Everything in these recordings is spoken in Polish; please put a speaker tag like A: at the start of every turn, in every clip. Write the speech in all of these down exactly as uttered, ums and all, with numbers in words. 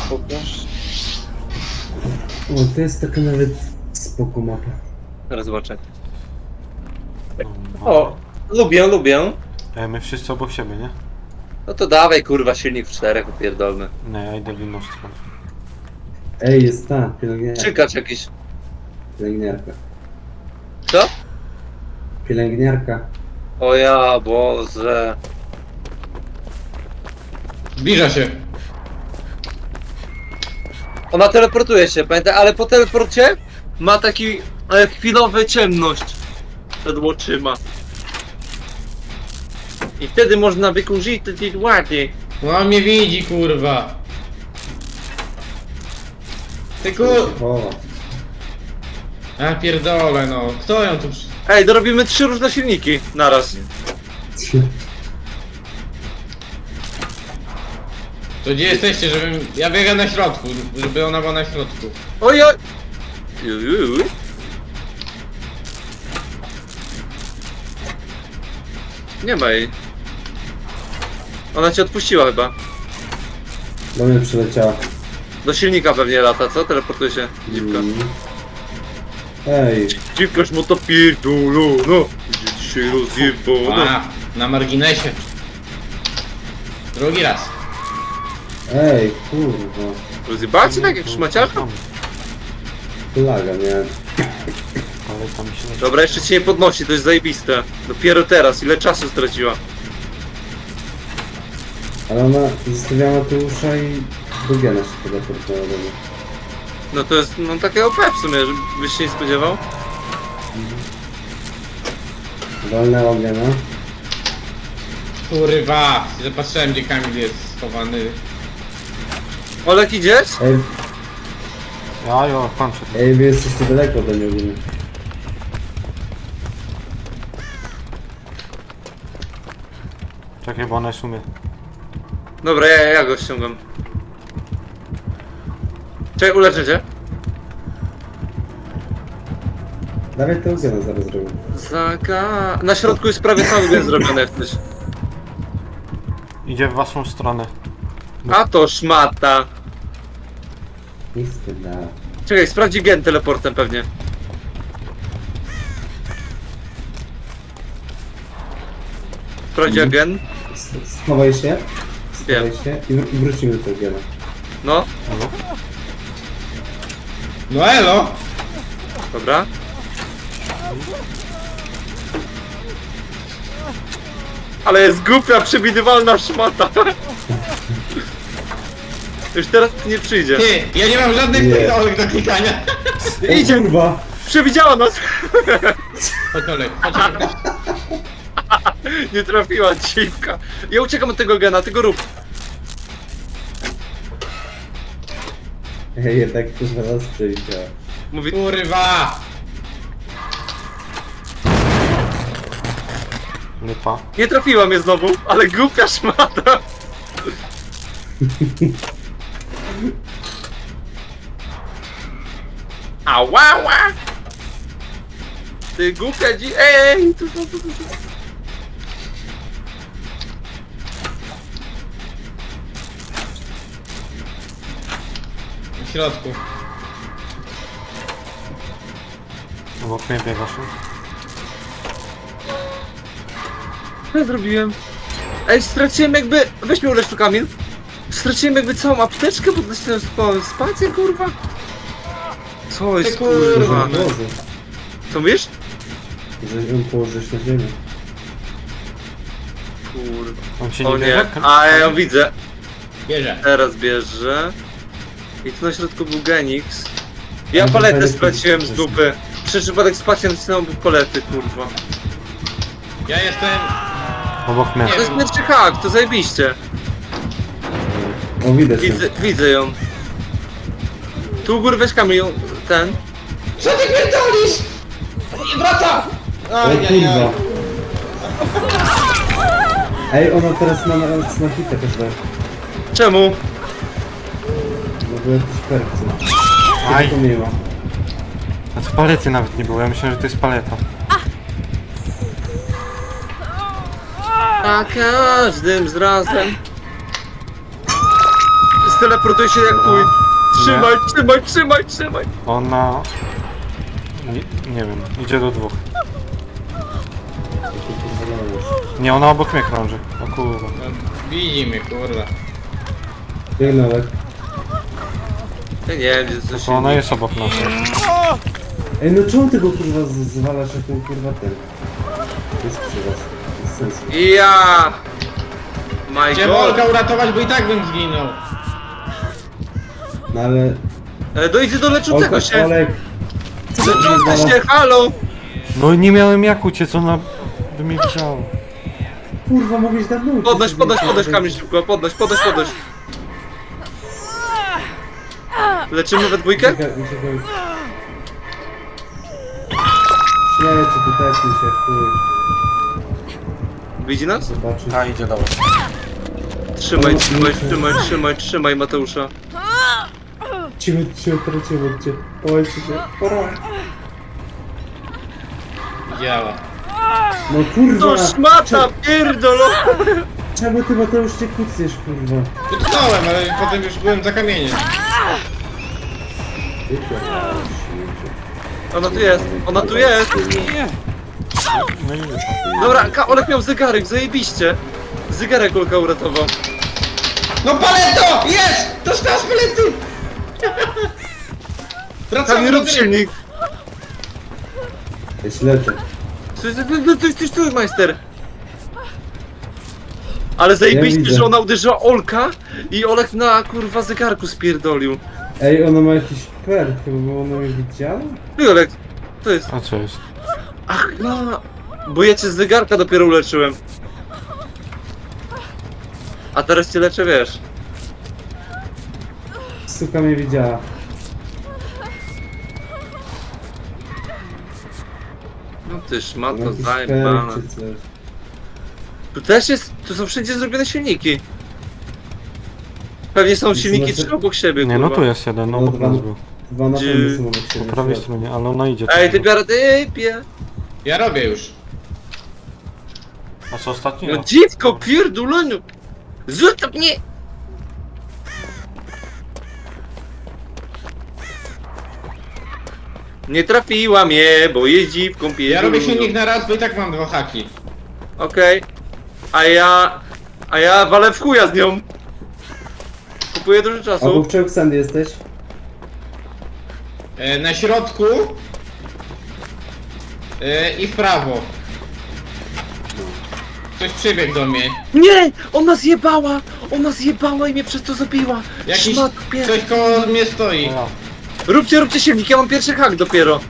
A: Pokaż.
B: O, to jest taka nawet spoko mapa.
A: Teraz zobaczę. O, lubię, lubię.
C: E, my wszyscy obok siebie, nie?
A: No to dawaj kurwa silnik w czterech upierdolmy.
C: Nie, ja idę w inną stronę.
B: Ej, jest ta, pielęgniarka.
A: Czykacz jakiś.
B: Pielęgniarka.
A: Co?
B: Pielęgniarka.
A: O ja Boże.
D: Zbliża się.
A: Ona teleportuje się, pamiętaj, ale po teleporcie ma taki e, chwilowy ciemność przed oczyma. I wtedy można wykorzystać ładnie.
D: No on mnie widzi, kurwa. Ty kur...
B: O,
D: A pierdolę, no. Kto ją tu... przy-
A: Ej, dorobimy trzy różne silniki naraz.
D: To gdzie jesteście, żebym... Ja biegam na środku, żeby ona była na środku.
A: Oj, oj. Juj, juj, juj. Nie ma jej. Ona cię odpuściła chyba.
B: do mnie przyleciała.
A: Do silnika pewnie lata, co? Teleportuje się dziwka.
B: Mm. Ej,
A: Dziwkaż mu to pierdolą, no. Gdzie dzisiaj rozjebano.
D: A, na marginesie. Drugi raz.
B: ej, kurwa.
A: Rozjebacie tak jak szmaciarka?
B: Plaga, nie?
C: Ale tam się...
A: Dobra, jeszcze cię nie podnosi, to jest zajebiste. Dopiero teraz, ile czasu straciła.
B: Ale ona zostawiała Mateusza i Dugiana się teleportowała do mnie.
A: No to jest, no takie O P w sumie, żebyś się nie spodziewał.
B: Walnęła mnie, no.
D: Kurwa. Zapatrzyłem, gdzie Kamil jest schowany.
A: Olek, idziesz?
B: Ej,
C: Ja, jo, kończę.
B: ej, wy jesteście daleko ode mnie ogólnie.
C: Czekaj, bo ona jest u mnie.
A: Dobra, ja, ja go ściągam. Czekaj, uleczę cię.
B: Dawaj to Dugiana zaraz zrobię.
A: Zaka... Na środku jest prawie cały gen zrobiony jak coś.
C: Idzie w waszą stronę.
A: A to szmata.
B: Nie spędzała.
A: Czekaj, sprawdzi gen teleportem pewnie. Sprawdzi
B: Mhm.
A: gen?
B: S- Schowaj się.
A: Wiem.
B: Schowaj się i, wr- i wrócimy do Dugiana.
A: No,
C: No.
D: No elo!
A: dobra. Ale jest głupia, przewidywalna szmata. Już teraz nie przyjdzie.
D: Ty, ja nie mam żadnych
B: Nie.
D: pierdolek do klikania.
A: Idzie,
B: O kurwa!
A: przewidziała nas.
D: Chodź Olek, chodź Olek.
A: Nie trafiła dziwka. Ja uciekam od tego gena, tego rób.
B: Ej, jednak kurwa nas przewidziała.
A: Mówi,
D: Kurwa!
C: Lipa.
A: nie trafiła mnie znowu, ale głupia szmata. Ała! Ty głupia dzi... Ej! Tu, tu, tu, tu.
D: W środku.
C: Obok mnie biegasz.
A: Co ja zrobiłem? Ej, straciłem jakby... Weź mnie ulecz tu, Kamil. Straciłem jakby całą apteczkę, bo nacisnąłem sp- spację, kurwa. Co jest,
D: Ty kurwa,
A: kurwa?
D: no.
B: Boże,
A: Co mówisz?
B: że ją położysz na ziemię.
A: Kurwa.
C: On cię
A: O
C: nie
A: nie,
C: bierze?
A: a ja ją widzę.
D: Bierze.
A: Teraz bierze. I tu na środku był Genix. Ja
B: Ale
A: paletę
B: palety
A: straciłem z
B: też.
A: dupy. Przez przypadek spację nacisnąłem palety, kurwa.
D: Ja jestem...
C: Obok mnie.
D: Nie.
A: To jest pierwszy hak, to zajebiście.
B: O, widać ją.
A: Widzę, widzę ją. Tu u góry weź Kamil ją, ten.
D: Co ty pierdolisz? I wraca!
B: O
D: Aj, aj, aj.
B: kurwa. Ej, ona teraz ma na, na hitę każdego.
A: Czemu?
B: No bo jakieś percy.
C: Aj.
B: To miło.
C: A co palety nawet nie było, ja myślałem, że to jest paleta.
A: A każdym z razem. teleportuje się jak chuj. Trzymaj, trzymaj, trzymaj, trzymaj.
C: Ona... Nie, nie wiem, idzie do dwóch.
B: To kurwa dajesz.
C: Nie, ona obok mnie krąży. O kurwa.
D: No, widzi mnie, kurwa.
B: Biegnę, Olek.
A: Ja nie wiem, gdzie coś
C: To ona jest obok nas.
B: Ej, no czemu ty go kurwa z- zwalasz jak ten kurwa ten? Jest przy was. Bez sensu.
A: Ja! My
D: Chciałem
A: god!
D: Olka uratować, bo i tak bym zginął.
B: No ale...
A: E, dojdzie do leczącego
B: Olek,
A: się!
B: Olek!
A: Leczący się, halo!
C: No i nie miałem jak uciec, ona by mnie widziała.
B: Kurwa, mogłeś dawno uciec.
A: Podnoś, podnoś, podnoś kamień szybko, podnoś, podnoś, podnoś. Leczymy we dwójkę?
B: Uciekaj, uciekaj. Śmiejecie, tu tepnij się, chuj.
A: Widzi nas?
B: Zobaczysz.
C: A, idzie do was.
A: Trzymaj, trzymaj, trzymaj, trzymaj, trzymaj Mateusza.
B: Cicho, cicho, teraz cicho, cię. Połajcie się. Pora.
D: Działa.
B: No kurwa!
A: To szmata, pierdolo!
B: Czemu ty Mateusz cię kucniesz, kurwa?
D: Utknąłem, ale potem już byłem za kamieniem.
A: Ona tu jest, ona tu jest!
C: No i już.
A: Dobra, Ka- Olek miał zegarek, zajebiście! Zegarek Olka uratował.
D: No paleto! Jest! To z palety!
A: Tam
D: Wracamy
A: nie
D: do
A: rób
D: gry.
A: silnik!
B: Ja się leczę.
A: Coś, coś, coś, coś, majster! Ale zajebiście,
B: widzę.
A: że ona uderzyła Olka i Olek na kurwa zegarku spierdolił.
B: Ej, ona ma jakiś perk, bo ona mnie widziała?
A: No Olek, to jest...
C: A co jest?
A: Ach, no... Bo ja cię z zegarka dopiero uleczyłem. A teraz cię leczę, wiesz.
B: Suka mnie widziała.
A: No ty szmato,
B: Jakiś
A: zajebana.
B: perk czy coś.
A: Tu też jest... Tu są wszędzie zrobione silniki. Pewnie są
B: Jest
A: silniki
B: znaczy-
A: trzy obok siebie,
C: Nie, no
A: kurwa.
C: tu jest jeden, no
B: No,
C: obok
B: dwa-
C: nas był.
B: Dwa na
A: Gdzie-
B: pewno są obok siebie.
C: Po prawej stronie, ale ona idzie.
A: Ej, ty
C: tam.
A: biorę, ty pie.
D: Ja robię już.
C: A co ostatni?
A: No
C: No.
A: dziwko, pierdoleniu! Zostaw mnie! Nie trafiła mnie, bo jest dziwką pierdolunią.
D: Ja robię silnik na raz, bo i tak mam dwa haki.
A: Okej. A ja... A ja walę w chuja z nią. Kupuję dużo czasu.
B: Obok czego Sandy jesteś?
D: E, na środku. E, I w prawo. Ktoś przybiegł do mnie.
A: Nie! Ona zjebała! Ona zjebała i mnie przez to zabiła!
D: Jakiś
A: Szmat, pier...
D: coś koło mnie stoi.
C: Ja.
A: Róbcie, róbcie silnik, ja mam pierwszy hak dopiero.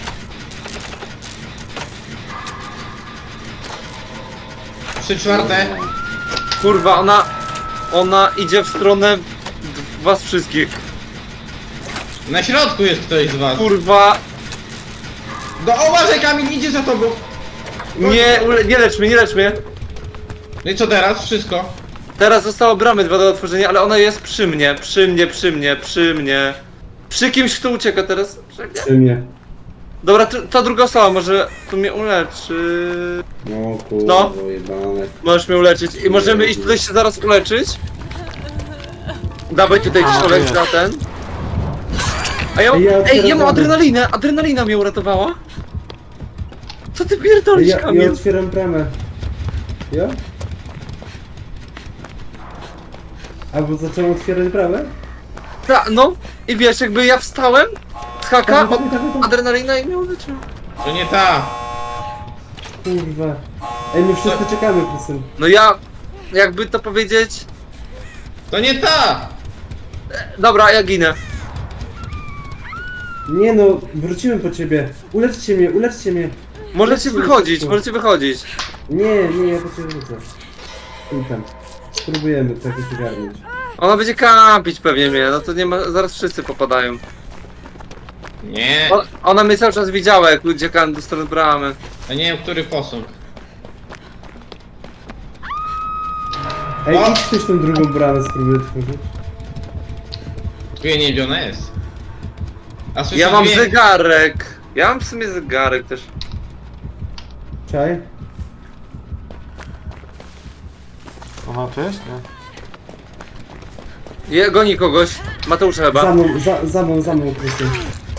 D: Trzy czwarte.
A: Kurwa, ona... Ona idzie w stronę was wszystkich.
D: Na środku jest ktoś z was.
A: Kurwa...
D: Do uważaj, Kamil, idzie za tobą.
A: Nie, ule- nie lecz mnie, nie lecz mnie.
D: No i co teraz? Wszystko.
A: Teraz zostało bramy dwa do otworzenia, ale ona jest przy mnie, przy mnie, przy mnie, przy mnie. Przy kimś, kto ucieka teraz. Przy mnie.
B: Przy mnie.
A: Dobra, t- ta druga osoba może tu mnie uleczy.
B: No kurwa,
A: No.
B: jebane.
A: Możesz mnie uleczyć i możemy iść tutaj się zaraz uleczyć. Dawaj tutaj
C: A,
A: czolek
C: jest.
A: za ten. A ja,
B: Ej, ja
A: ej, ja
B: otwieram
A: mam
B: bramę.
A: adrenalinę, adrenalina mnie uratowała. Co ty
B: Ej,
A: pierdolisz,
B: Ja, ja
A: Kamil?
B: otwieram bramę. Ja? Albo zacząłem otwierać bramę?
A: Ta, no i wiesz, jakby ja wstałem z haka,
B: Dawaj,
A: od,
B: dawaj, dawaj, dawaj.
A: adrenalina i mnie uleczyła.
D: To nie ta.
B: Kurwa. Ej, my wszyscy czekamy, Krysyn.
A: No ja, jakby to powiedzieć...
D: To nie ta.
A: Dobra, ja ginę.
B: Nie no, wrócimy po ciebie. Uleczcie mnie, uleczcie mnie.
A: Możecie wychodzić, możecie wychodzić.
B: Nie, nie, ja po ciebie wrócę. I tam. Spróbujemy tak ogarnąć.
A: Ona będzie kampić pewnie mnie, no to nie ma, zaraz wszyscy popadają.
D: Nie.
A: O, ona mnie cały czas widziała, jak uciekałem do strony bramy.
D: Ja nie wiem, który posąg.
B: Ej,
D: O!
B: idź ktoś tą drugą bramę spróbuj otworzyć.
D: Tu nie wiem, ona jest. A słyszę
A: Ja mam
D: dźwięk.
A: zegarek. Ja mam w sumie zegarek też.
B: Czaj?
C: Ona tu jest? Nie.
A: Je, goni kogoś. Mateusza
B: Za
A: chyba.
B: mną, za, za mną, za mną, Krystian.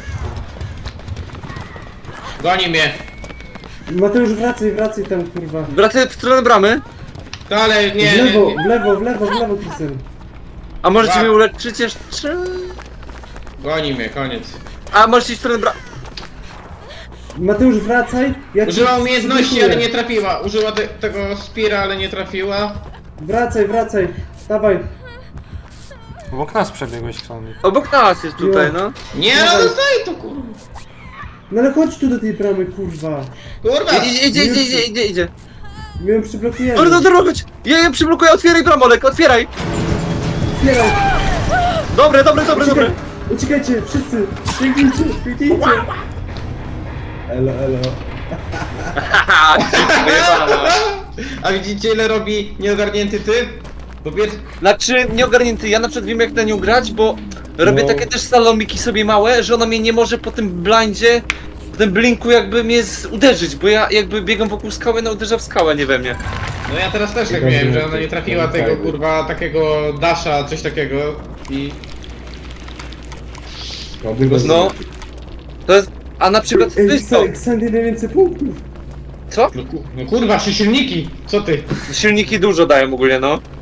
D: Goni mnie.
B: Mateusz, wracaj, wracaj tam, kurwa.
A: Wracaj w stronę bramy.
D: To ale
B: W
D: nie, nie,
B: lewo,
D: nie.
B: w lewo, w lewo, w lewo, Krystian.
A: A możecie
D: Ba-
A: mnie uleczyć jeszcze?
D: Goni mnie, koniec.
A: A możecie iść w stronę bramy.
B: Mateusz, wracaj. Ja ci
D: Użyła umiejętności,
B: przygotuję.
D: ale nie trafiła. Użyła te, tego Spira, ale nie trafiła.
B: Wracaj, wracaj. Dawaj.
C: Obok nas przebiegłeś, Ksami.
A: Obok nas jest tutaj,
B: Jo.
A: no.
D: Nie, no
B: Dawaj.
D: zostaj to kurwa.
B: No ale chodź tu do tej bramy, kurwa.
D: Kurwa.
A: Idzie, idzie, idzie, idzie, idzie, idzie.
B: My ją przyblokujemy.
A: Dobra, dobra, dobra, chodź. Ja ją przyblokuję, otwieraj bramolek, otwieraj.
B: Otwieraj.
A: Dobre, dobre, dobre, dobre.
B: Uciekaj. Uciekajcie, wszyscy. Biegnijcie, biegnijcie. Elo, elo.
A: Haha, wyjebana.
D: A widzicie ile robi nieogarnięty typ? Po pierwsze,
A: Znaczy, nieogarnięty, ja na przykład wiem jak na nią grać, bo robię
B: No.
A: takie też salomiki sobie małe, że ona mnie nie może po tym blindzie, po tym blinku jakby mnie z- uderzyć, bo ja jakby biegam wokół skały, no uderza w skałę, nie we mnie.
D: no ja teraz też tak
B: Nieogarnięty.
D: miałem, że ona nie trafiła tego kurwa takiego dasha, coś takiego i...
A: No. To jest, a na przykład to
B: Ej,
A: jest to,
B: Xandy najwięcej punktów.
A: co?
D: No, ku, no kurwa, trzy silniki! Co ty?
A: Silniki dużo dają ogólnie, no.